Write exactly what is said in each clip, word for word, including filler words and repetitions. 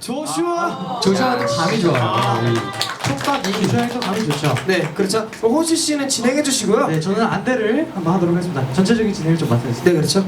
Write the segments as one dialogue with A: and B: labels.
A: 조슈아.
B: 조슈아는 감이 좋아요. 이
A: 촉각이 조슈아에서 감이 좋죠.
C: 네, 그렇죠. 그럼 호시 씨는 진행해 주시고요.
A: 네, 저는 안대를 한번 하도록 하겠습니다. 전체적인 진행을 좀 맡아주세요.
C: 네, 그렇죠.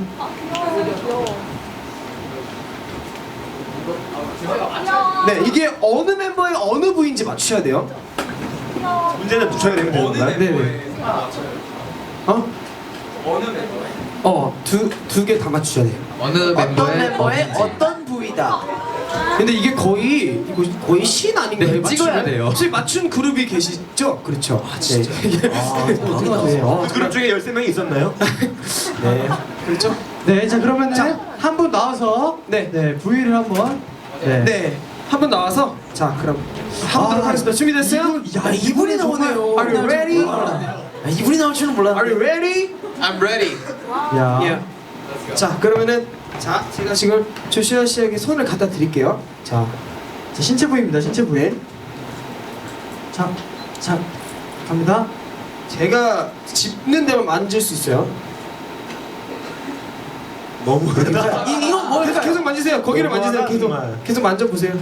C: 네, 이게 어느 멤버의 어느 부위인지 맞추셔야 돼요.
D: 문제는 붙여야 되는 건가요?
C: 네, 네. 어?
D: 어느 멤버에?
C: 어, 두 두 개 다 맞추셔야 돼요.
B: 어느 멤버의 어딘지.
E: 어떤 부위다.
C: 근데 이게 거의 이거 거의 신 아닌가요?
B: 네, 찍어야 돼요.
C: 혹시 맞춘 그룹이 계시죠? 그렇죠. 아, 진짜. 네. 어떻게 맞추세요? 어,
D: 그 그룹 중에 열세 명이 있었나요?
C: 네. 그렇죠?
A: 네, 자 그러면은
C: 자.
A: 한 분 나와서
C: 네.
A: 네 부위를 한번 네.
C: 네. 한 분 나와서 자, 그럼 해보도록
A: 아,
C: 하겠습니다. 준비됐어요?
E: 야 이분이 나오네요.
C: Are you ready?
E: 아, 이분이 나올 줄은
C: Are
E: 몰랐는데.
C: you ready?
B: I'm ready.
A: 야.
C: Yeah. 자, 그러면은 자, 제가 지금 조슈아 씨에게 손을 갖다 드릴게요. 자,
A: 자 신체 부위입니다. 신체 부위. 자, 자 갑니다.
C: 제가 짚는 데만 만질 수 있어요.
D: 너무
E: 이 이건 뭘?
C: 계속 계속 만지세요. 거기를 만지세요. 계속
D: 정말.
C: 계속 만져보세요.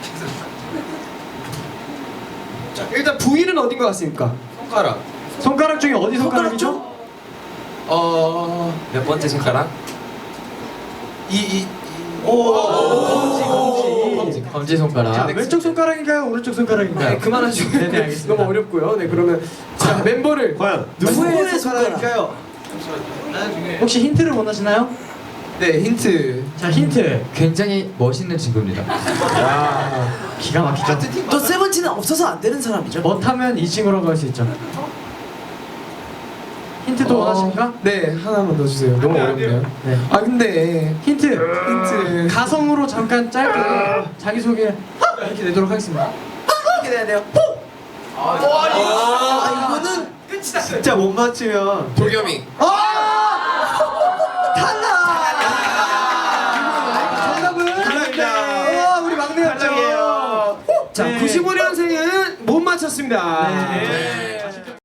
C: 자, 일단 부위는 어딘 것 같습니까?
B: 손가락.
A: 손가락 중에 어디 손가락이죠?
B: 어, 몇 번째 손가락? 이, 이,
A: 검지, 검지.
B: 검지, 검지 손가락.
A: 자, 왼쪽 손가락인가요? 오른쪽 손가락인가요?
C: 네, 그만하시고.
A: 네, 네, 알겠습니다.
C: 너무 어렵고요. 네, 그러면 자, 멤버를
D: 과연
C: 누구의 손가락일까요?
A: 혹시 힌트를 원하시나요?
B: 네, 힌트.
A: 자, 힌트.
B: 굉장히 멋있는 친구입니다.
A: 기가 막히죠.
E: 또 세븐틴은 없어서 안 되는 사람이죠.
A: 못하면 이 친구라고 할 수 있죠. 힌트도
C: 어,
A: 원하십니까?
C: 네, 하나만 더 주세요. 너무 어렵네요.
A: 네.
C: 아, 근데
A: 힌트.
C: 힌트.
A: 가성으로 잠깐 짧게 자기 소개 이렇게 내도록 하겠습니다.
E: 이렇게 돼야 돼요. 아 이거는
D: 진짜 못 맞추면
B: 도겸이.
A: 정답은
D: 탈락입니다.
A: 와, 우리 막내였죠.
D: 탈락이에요.
C: 자,
A: 네.
C: 구십오 년생은 못 맞췄습니다.
A: 네.